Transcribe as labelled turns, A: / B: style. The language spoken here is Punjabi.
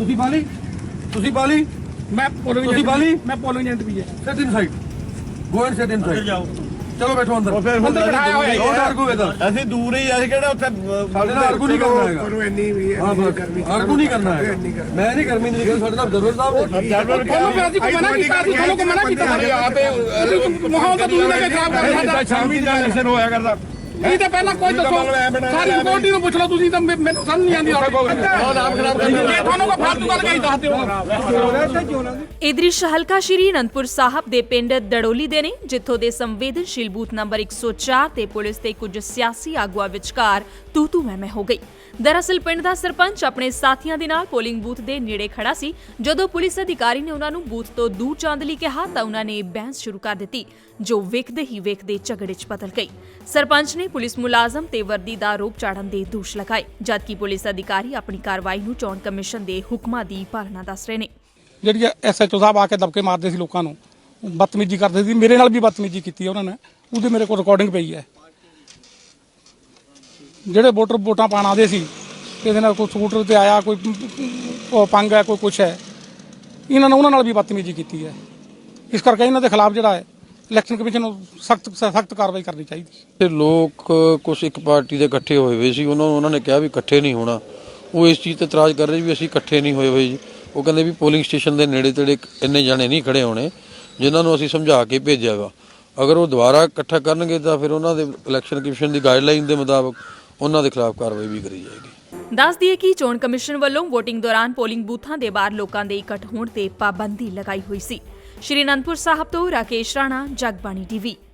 A: ਤੁਸੀਂ ਬਾਲੀ
B: मैं पोलिंग
A: ਤੁਸੀਂ ਬਾਲੀ
B: मैं पोलिंग एजेंट भी है।
A: Sit inside go and sit inside ਚਲੋ ਬੈਠੋ ਅੰਦਰ
B: अंदर बिठाया हुआ है।
A: ਡੋਂਟ ਆਰਗੂ ਵਿਦ ਅਸ
C: ਅਸੀਂ ਦੂਰ ਹੀ ਅਸੀਂ ਕਿਹੜਾ ਉੱਥੇ
A: ਸਾਡੇ ਨਾਲ ਆਰਗੂ ਨਹੀਂ ਕਰਨਾ ਹੈਗਾ
D: ਪਰ ਇੰਨੀ ਵੀ
A: ਹਾਂ ਬਸ ਆਰਗੂ ਨਹੀਂ ਕਰਨਾ ਹੈ ਮੈਂ ਨਹੀਂ ਕਰਮੀ ਨਹੀਂ ਸਾਡੇ ਨਾਲ ਦਰਬਾਰ ਸਾਹਿਬ
B: ਤੁਹਾਨੂੰ ਫਿਰ ਅਸੀਂ ਕੋਈ ਮਨਾ ਕੀਤਾ ਸੀ, ਤੁਹਾਨੂੰ ਕੋਈ ਮਨਾ ਕੀਤਾ ਸਾਡੇ ਆਪੇ ਮਾਹੌਲ ਤਾਂ ਤੁਸੀਂ ਲੈ ਕੇ ਖਰਾਬ ਕਰ ਰਹੇ ਹੋ।
C: ਸ਼ਾਮੀ ਦਾ ਇਲੈਕਸ਼ਨ ਹੋਇਆ ਕਰਦਾ
B: ਇਹ ਤਾਂ ਪਹਿਲਾਂ ਕੋਈ ਦੱਸੋ ਸਾਰੀ ਰਿਪੋਰਟ ਨੂੰ ਪੁੱਛ ਲਓ ਤੁਸੀਂ ਤਾਂ ਮੈਨੂੰ ਸਮਝ ਨਹੀਂ ਆਉਂਦੀ ਤੁਹਾਡੇ ਕੋਲ ਨਾਮ ਖਰਾਬ ਕਰ ਦਿੰਦੇ ਤੁਹਾਨੂੰ ਕੋਈ ਫਾਲਤੂ ਗੱਲ ਕਹੀ ਦੱਸ ਦਿਓ।
E: ਇਹ ਦ੍ਰਿਸ਼ ਹਲਕਾ ਸ਼੍ਰੀ ਅਨੰਦਪੁਰ ਸਾਹਿਬ ਦੇ ਪਿੰਡ ਦੜੋਲੀ ਦੇ ਨੇ, ਜਿੱਥੋਂ ਦੇ ਸੰਵੇਦਨਸ਼ੀਲ ਬੂਥ ਨੰਬਰ 104 ਤੇ ਪੁਲਿਸ ਤੇ ਕੁਝ ਸਿਆਸੀ ਆਗੂਆਂ ਵਿਚਕਾਰ ਤੂ ਮੈਂ ਹੋ ਗਈ। ਦਰਅਸਲ ਪਿੰਡ ਦਾ ਸਰਪੰਚ ਆਪਣੇ ਸਾਥੀਆਂ ਦੇ ਨਾਲ ਪੋਲਿੰਗ ਬੂਥ ਦੇ ਨੇੜੇ ਖੜਾ ਸੀ। ਜਦੋਂ ਪੁਲਿਸ ਅਧਿਕਾਰੀ ਨੇ ਉਹਨਾਂ ਨੂੰ ਬੂਥ ਤੋਂ ਦੂਰ ਜਾਣ ਲਈ ਕਿਹਾ ਤਾਂ ਉਹਨਾਂ ਨੇ ਬਹਿਸ ਸ਼ੁਰੂ ਕਰ ਦਿੱਤੀ, ਜੋ ਵੇਖਦੇ ਹੀ ਵੇਖਦੇ ਝਗੜੇ 'ਚ ਬਦਲ ਗਈ। ਸਰਪੰਚ ਨੇ ਪੁਲਿਸ ਮੁਲਾਜ਼ਮ ਤੇ ਵਰਦੀ ਦਾ ਆਰੋਪ ਚਾੜਨ ਦੇ ਦੋਸ਼ ਲਗਾਏ, ਜਦਕਿ ਪੁਲਿਸ ਅਧਿਕਾਰੀ ਆਪਣੀ ਕਾਰਵਾਈ ਨੂੰ ਚੋਣ ਕਮਿਸ਼ਨ ਦੇ ਹੁਕਮਾਂ ਦੀ ਪਾਲਣਾ ਦੱਸ ਰਹੇ ਨੇ।
B: ਜਿਹੜੀ ਐਸਐਚਓ ਸਾਹਿਬ ਆ ਕੇ ਦਬਕੇ ਮਾਰਦੇ ਸੀ ਲੋਕਾਂ ਨੂੰ, ਬਦਤਮੀਜ਼ੀ ਕਰਦੇ ਸੀ, ਮੇਰੇ ਨਾਲ ਵੀ ਬਦਤਮੀਜ਼ੀ ਕੀਤੀ ਉਹਨਾਂ ਨੇ, ਉਹਦੀ ਮੇਰੇ ਕੋਲ ਰਿਕਾਰਡਿੰਗ ਪਈ ਹੈ। ਜਿਹੜੇ ਵੋਟਰ ਵੋਟਾਂ ਪਾਣ ਆਦੇ ਸੀ, ਇਹਦੇ ਨਾਲ ਕੋਈ ਸਕੂਟਰ ਤੇ ਆਇਆ, ਕੋਈ ਪੰਗ ਹੈ, ਕੋਈ ਕੁਛ ਹੈ, ਉਹਨਾਂ ਨਾਲ ਵੀ ਬਦਤਮੀਜ਼ੀ ਕੀਤੀ ਹੈ। ਇਸ ਕਰਕੇ ਇਹਨਾਂ ਦੇ ਖਿਲਾਫ ਜਿਹੜਾ ਹੈ ਇਲੈਕਸ਼ਨ ਕਮਿਸ਼ਨ ਨੂੰ ਸਖਤ ਕਾਰਵਾਈ ਕਰਨੀ ਚਾਹੀਦੀ।
F: ਤੇ ਲੋਕ ਕੁਛ ਇੱਕ ਪਾਰਟੀ ਦੇ ਇਕੱਠੇ ਹੋਏ ਹੋਏ ਸੀ, ਉਹਨਾਂ ਨੇ ਕਿਹਾ ਵੀ ਇਕੱਠੇ ਨਹੀਂ ਹੋਣਾ। ਉਹ ਇਸ ਚੀਜ਼ ਤੇ ਇਤਰਾਜ਼ ਕਰ ਰਹੇ ਵੀ ਅਸੀਂ ਇਕੱਠੇ ਨਹੀਂ ਹੋਏ ਹੋਏ ਜੀ। ਉਹ ਕਹਿੰਦੇ ਵੀ ਪੋਲਿੰਗ ਸਟੇਸ਼ਨ ਦੇ ਨੇੜੇ ਤੇੜੇ ਇੰਨੇ ਜਾਣੇ ਨਹੀਂ ਖੜੇ ਹੋਣੇ, ਜਿਨ੍ਹਾਂ ਨੂੰ ਅਸੀਂ ਸਮਝਾ ਕੇ ਭੇਜਿਆ ਵਾ। ਅਗਰ ਉਹ ਦੁਬਾਰਾ ਇਕੱਠਾ ਕਰਨਗੇ ਤਾਂ ਫਿਰ ਉਹਨਾਂ ਦੇ ਇਲੈਕਸ਼ਨ ਕਮਿਸ਼ਨ ਦੀ ਗਾਈਡਲਾਈਨ ਦੇ ਮੁਤਾਬਕ ਉਹਨਾਂ ਦੇ ਖਿਲਾਫ ਕਾਰਵਾਈ ਵੀ ਕਰੀ ਜਾਏਗੀ।
E: ਦੱਸ ਦਈਏ ਕਿ ਚੋਣ ਕਮਿਸ਼ਨ ਵੱਲੋਂ VOTING ਦੌਰਾਨ ਪੋਲਿੰਗ ਬੂਥਾਂ ਦੇ ਬਾਹਰ ਲੋਕਾਂ ਦੇ ਇਕੱਠ ਹੋਣ ਤੇ ਪਾਬੰਦੀ ਲਗਾਈ ਹੋਈ ਸੀ। ਸ਼੍ਰੀ ਅਨੰਦਪੁਰ ਸਾਹਿਬ ਤੋਂ ਰਾਕੇਸ਼ ਰਾਣਾ, ਜਗਬਾਣੀ TV।